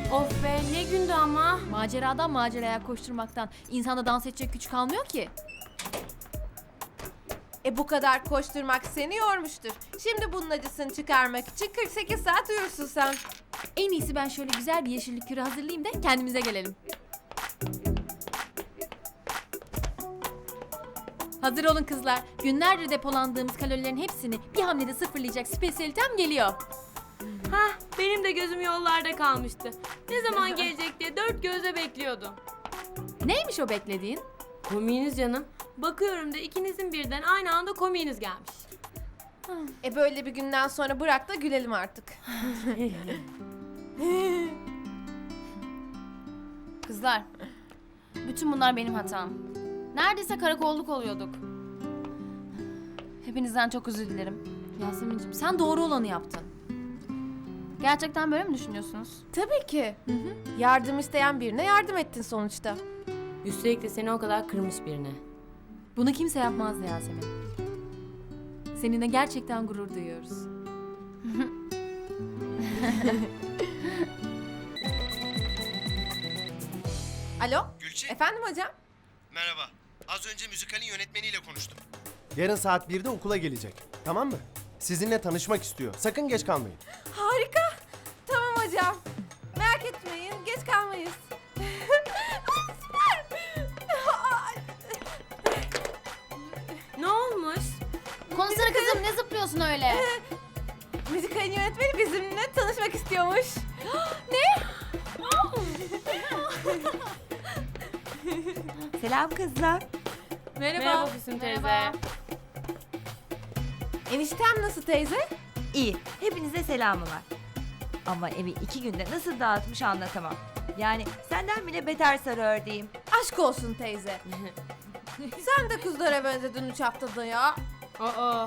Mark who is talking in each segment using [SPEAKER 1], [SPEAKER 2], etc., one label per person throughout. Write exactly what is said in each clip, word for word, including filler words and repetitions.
[SPEAKER 1] Of be ne gündü ama.
[SPEAKER 2] Maceradan maceraya koşturmaktan insanda dans edecek güç kalmıyor ki.
[SPEAKER 3] E bu kadar koşturmak seni yormuştur. Şimdi bunun acısını çıkarmak için kırk sekiz saat uyursun sen.
[SPEAKER 2] En iyisi ben şöyle güzel bir yeşillik kürü hazırlayayım da kendimize gelelim. Hazır olun kızlar. Günlerdir depolandığımız kalorilerin hepsini bir hamlede sıfırlayacak spesiyalitem geliyor.
[SPEAKER 1] Hah benim de gözüm yollarda kalmıştı. Ne zaman gelecek diye dört gözle bekliyordum.
[SPEAKER 2] Neymiş o beklediğin?
[SPEAKER 1] Komiğiniz canım. Bakıyorum da ikinizin birden aynı anda komiğiniz gelmiş.
[SPEAKER 3] E böyle bir günden sonra bırak da gülelim artık.
[SPEAKER 4] Kızlar, bütün bunlar benim hatam. Neredeyse karakolluk oluyorduk. Hepinizden çok özür dilerim.
[SPEAKER 2] Yasemin'cim sen doğru olanı yaptın.
[SPEAKER 4] Gerçekten böyle mi düşünüyorsunuz?
[SPEAKER 3] Tabii ki. Yardım isteyen birine yardım ettin sonuçta.
[SPEAKER 1] Üstelik de seni o kadar kırmış birine.
[SPEAKER 2] Bunu kimse yapmazdı Yasemin. Seninle gerçekten gurur duyuyoruz.
[SPEAKER 3] Alo?
[SPEAKER 5] Gülçin,
[SPEAKER 3] Efendim hocam?
[SPEAKER 5] merhaba. Az önce müzikalin yönetmeniyle konuştum.
[SPEAKER 6] Yarın saat birde okula gelecek. Tamam mı? Sizinle tanışmak istiyor. Sakın geç kalmayın.
[SPEAKER 3] Harika. Tamam hocam. Merak etmeyin. Geç kalmayız. Ay, süper.
[SPEAKER 1] Ne olmuş?
[SPEAKER 4] Konuşsana kızım, ne zıplıyorsun öyle?
[SPEAKER 3] Müzikalin yönetmeni bizimle tanışmak istiyormuş.
[SPEAKER 7] Selam kızlar.
[SPEAKER 2] Merhaba.
[SPEAKER 1] Merhaba Füsun teyze.
[SPEAKER 4] Merhaba.
[SPEAKER 3] Eniştem nasıl teyze?
[SPEAKER 7] İyi. Hepinize selamı var. Ama evi iki günde nasıl dağıtmış anlatamam. Yani senden bile beter sarı ördeğim.
[SPEAKER 3] Aşk olsun teyze. Sen de kızlara benzedin üç haftada ya.
[SPEAKER 1] Aa.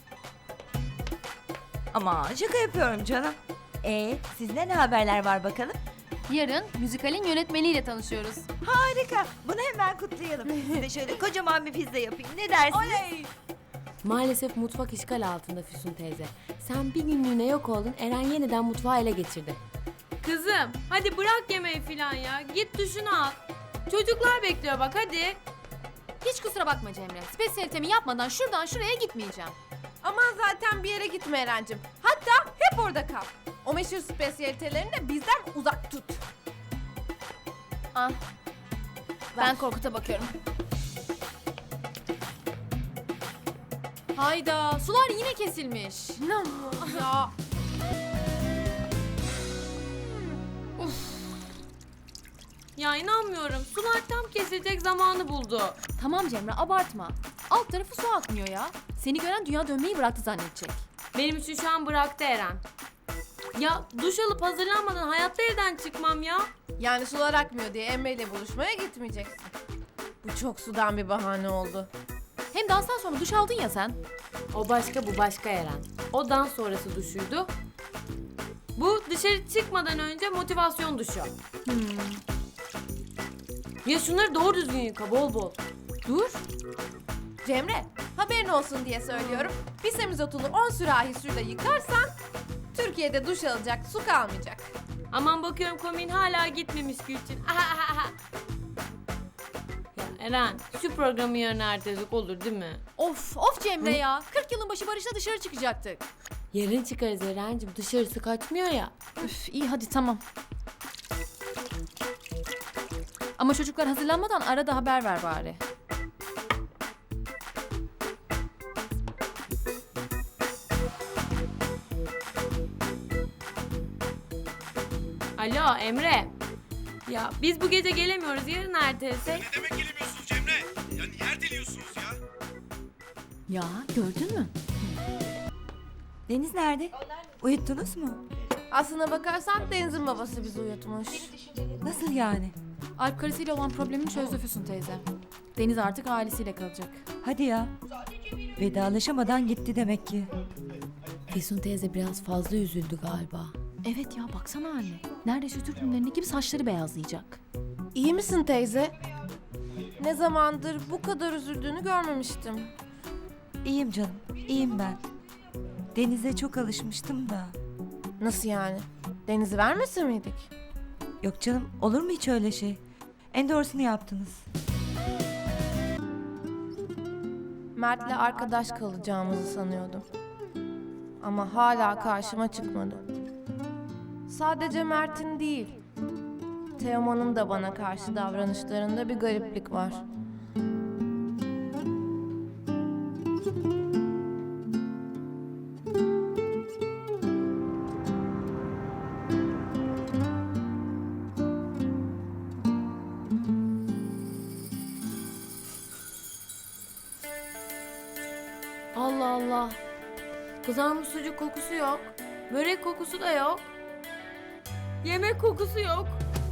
[SPEAKER 7] Ama şaka yapıyorum canım. Ee, sizde ne haberler var bakalım?
[SPEAKER 4] Yarın müzikalin yönetmeniyle tanışıyoruz.
[SPEAKER 7] Harika. Bunu hemen kutlayalım. Size şöyle kocaman bir pizza yapayım. Ne dersiniz?
[SPEAKER 3] Oley.
[SPEAKER 1] Maalesef mutfak işgal altında Füsun teyze. Sen bir günlüğüne yok oldun, Eren yeniden mutfağı ele geçirdi. Kızım, hadi bırak yemeği filan ya. Git duşunu al. Çocuklar bekliyor bak hadi.
[SPEAKER 2] Hiç kusura bakma Cemre. Spesiyalitemi yapmadan şuradan şuraya gitmeyeceğim.
[SPEAKER 3] Aman zaten bir yere gitme Eren'cim. Hatta hep orada kal. O meşhur spesiyalitelerini de bizden uzak tut.
[SPEAKER 4] Ah. Ben Korkut'a bakıyorum.
[SPEAKER 2] Hayda, sular yine kesilmiş.
[SPEAKER 3] Ya.
[SPEAKER 1] Ya inanmıyorum. Sular tam kesilecek zamanı buldu.
[SPEAKER 2] Tamam Cemre, abartma. Alt tarafı su akmıyor ya. Seni gören dünya dönmeyi bıraktı zannedecek.
[SPEAKER 1] Benim için şu an bıraktı Eren. Ya duş alıp hazırlanmadan hayatta evden çıkmam ya.
[SPEAKER 3] Yani sular akmıyor diye Emre ile buluşmaya gitmeyeceksin. Bu çok sudan bir bahane oldu.
[SPEAKER 2] Hem danstan sonra duş aldın ya sen.
[SPEAKER 1] O başka bu başka Eren. O dans sonrası duşuydu. Bu dışarı çıkmadan önce motivasyon duşu. Ya şunları doğru düzgün yıka bol bol.
[SPEAKER 2] Dur.
[SPEAKER 3] Cemre, haberin olsun diye söylüyorum. Bir semizotunu on sürahi suyla yıkarsan Türkiye'de duş alacak su kalmayacak.
[SPEAKER 1] Aman bakıyorum komin hala gitmemiş Gülçin. Ya Eren şu programı yarın erteledik olur değil mi?
[SPEAKER 2] Of, of Cemre ya. kırk yılın başı Barış'la dışarı çıkacaktık.
[SPEAKER 1] Yarın çıkarız Eren'cim dışarısı kaçmıyor ya.
[SPEAKER 2] Üf, iyi hadi tamam. Ama çocuklar hazırlanmadan arada haber ver bari.
[SPEAKER 1] Alo Emre. Ya biz bu gece gelemiyoruz yarın ertelesek.
[SPEAKER 5] Ne demek gelemiyorsunuz Cemre? Ya niye erteliyorsunuz ya?
[SPEAKER 2] Ya gördün mü?
[SPEAKER 7] Deniz nerede? Uyuttunuz mu?
[SPEAKER 3] Aslına bakarsan Deniz'in babası bizi uyutmuş.
[SPEAKER 7] Nasıl yani?
[SPEAKER 2] Alp karısıyla olan problemini çözdü Füsun teyze. Deniz artık ailesiyle kalacak.
[SPEAKER 7] Hadi ya. Vedalaşamadan gitti demek ki.
[SPEAKER 1] Füsun teyze biraz fazla üzüldü galiba.
[SPEAKER 2] Evet ya baksana anne. Neredeyse Türk filmlerindeki gibi saçları beyazlayacak.
[SPEAKER 3] İyi misin teyze? Ne zamandır bu kadar üzüldüğünü görmemiştim.
[SPEAKER 7] İyiyim canım. İyiyim ben. Denize çok alışmıştım da.
[SPEAKER 3] Nasıl yani? Deniz'i vermesin miydik?
[SPEAKER 7] Yok canım, olur mu hiç öyle şey? En doğrusunu yaptınız.
[SPEAKER 3] Mert'le arkadaş kalacağımızı sanıyordum. Ama hala karşıma çıkmadı. Sadece Mert'in değil, Teoman'ın da bana karşı davranışlarında bir gariplik var.
[SPEAKER 1] Allah Allah. Kızarmış sucuk kokusu yok. Börek kokusu da yok. Yemek kokusu yok.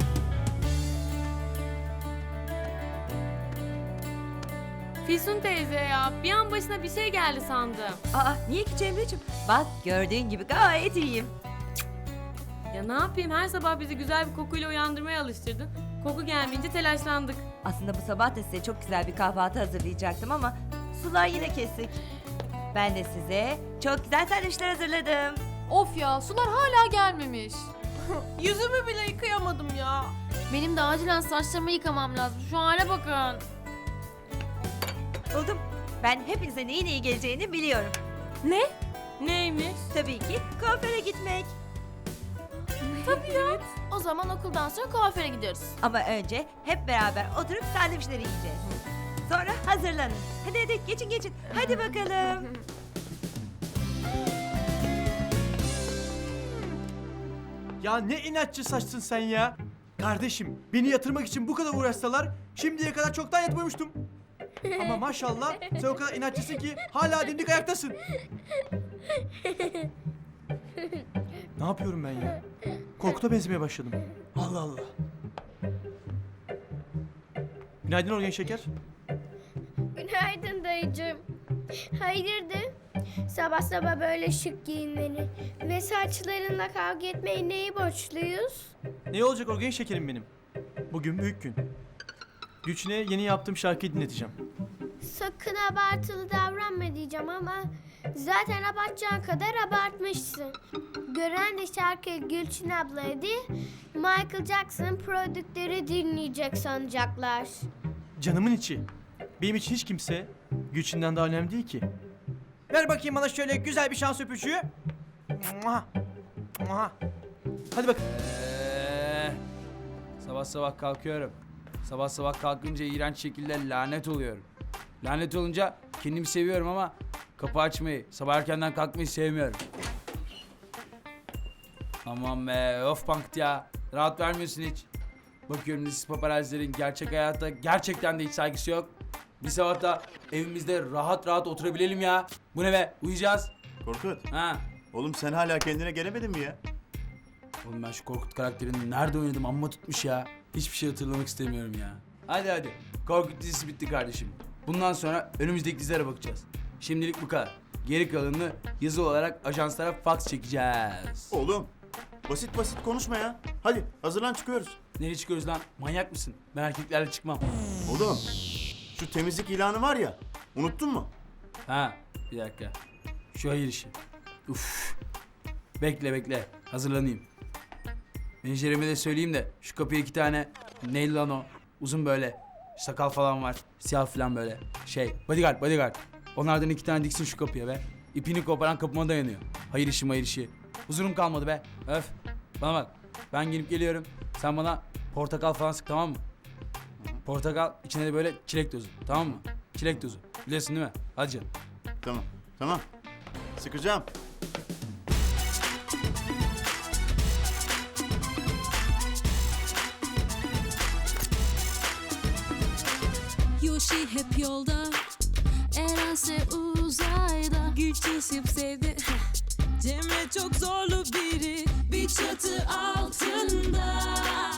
[SPEAKER 1] Füsun teyze ya, bir an başına bir şey geldi sandım.
[SPEAKER 7] Aa, niye ki Cemre'cim? Bak gördüğün gibi gayet iyiyim.
[SPEAKER 1] Ya ne yapayım, her sabah bizi güzel bir kokuyla uyandırmaya alıştırdın. Koku gelmeyince telaşlandık.
[SPEAKER 7] Aslında bu sabah da size çok güzel bir kahvaltı hazırlayacaktım ama sular yine kesik. Ben de size çok güzel sandviçler hazırladım.
[SPEAKER 2] Of ya, sular hala gelmemiş.
[SPEAKER 3] Yüzümü bile yıkayamadım ya.
[SPEAKER 4] Benim de acilen saçlarımı yıkamam lazım. Şu hale bakın.
[SPEAKER 7] Buldum. Ben hepinize neyin iyi geleceğini biliyorum.
[SPEAKER 1] Ne? Neymiş?
[SPEAKER 7] Tabii ki kuaföre gitmek.
[SPEAKER 4] O zaman okuldan sonra kuaföre gidiyoruz.
[SPEAKER 7] Ama önce hep beraber oturup sandviçleri yiyeceğiz. Sonra hazırlanın. Hadi hadi geçin geçin. Hadi bakalım.
[SPEAKER 8] Ya ne inatçı saçsın sen ya. Kardeşim beni yatırmak için bu kadar uğraşsalar şimdiye kadar çoktan yatmamıştım. Ama maşallah sen o kadar inatçısın ki hala dimdik ayaktasın. Ne yapıyorum ben ya? Korkuta benzemeye başladım. Allah Allah. Günaydın Orgen Şeker.
[SPEAKER 9] Günaydın dayıcığım. Hayırdır? Sabah sabah böyle şık giyinmeni ve saçlarınla kavga etmeyi neyi borçluyuz?
[SPEAKER 8] Ne olacak Orgen Şekerim benim? Bugün büyük gün. Güçne yeni yaptığım şarkıyı dinleteceğim.
[SPEAKER 9] Sakın abartılı davranma diyeceğim ama zaten abartacağın kadar abartmışsın. Gören de şarkıyı Gülçin ablaya değil, Michael Jackson prodüktörü dinleyecek sanacaklar.
[SPEAKER 8] Canımın içi. Benim için hiç kimse Gülçin'den daha önemli değil ki. Ver bakayım bana şöyle güzel bir şans öpücüğü. Muah. Muah. Hadi bak.
[SPEAKER 10] Ee, sabah sabah kalkıyorum. Sabah sabah kalkınca iğrenç şekilde lanet oluyorum. Lanet olunca kendimi seviyorum ama kapı açmayı, sabah erkenden kalkmayı sevmiyorum. Aman be, of pankт ya. Rahat vermiyorsun hiç. Bakıyorum siz paparazilerin gerçek hayatta gerçekten de hiç saygısı yok. Bir sabah da evimizde rahat rahat oturabilelim ya. Bu ne be, uyuyacağız.
[SPEAKER 11] Korkut,
[SPEAKER 10] Ha.
[SPEAKER 11] oğlum sen hala kendine gelemedin mi ya?
[SPEAKER 10] Oğlum ben şu Korkut karakterini nerede oynadım amma tutmuş ya. Hiçbir şey hatırlamak istemiyorum ya. Hadi hadi. Korkut dizisi bitti kardeşim. Bundan sonra önümüzdeki dizilere bakacağız. Şimdilik bu kadar. Geri kalanını yazı olarak ajanslara fax çekeceğiz.
[SPEAKER 11] Oğlum, basit basit konuşma ya. Hadi hazırlan çıkıyoruz.
[SPEAKER 10] Nereye çıkıyoruz lan? Manyak mısın? Ben erkeklerle çıkmam.
[SPEAKER 11] Oğlum, şu temizlik ilanı var ya, unuttun mu?
[SPEAKER 10] Ha, bir dakika. Şu hayır işi. Uf. Bekle bekle. Hazırlanayım. Menajerime de söyleyeyim de şu kapıya iki tane neydi lan o? Uzun böyle. Sakal falan var. Siyah falan böyle. Şey, bodyguard bodyguard. Onlardan iki tane diksin şu kapıya be. İpini koparan kapıma dayanıyor. Hayır işi hayır işi. Huzurum kalmadı be. Öf. Bana bak. Ben gelip geliyorum. Sen bana portakal falan sık, tamam mı? Portakal içine de böyle çilek tozu. Tamam mı? Çilek tozu. Biliyorsun değil mi? Hadi canım.
[SPEAKER 11] Tamam, tamam. Sıkacağım.
[SPEAKER 12] Yoshi hep yolda, Erense uzayda. Güçleşip sevdi. Cemre çok zorlu biri, bir çatı altında.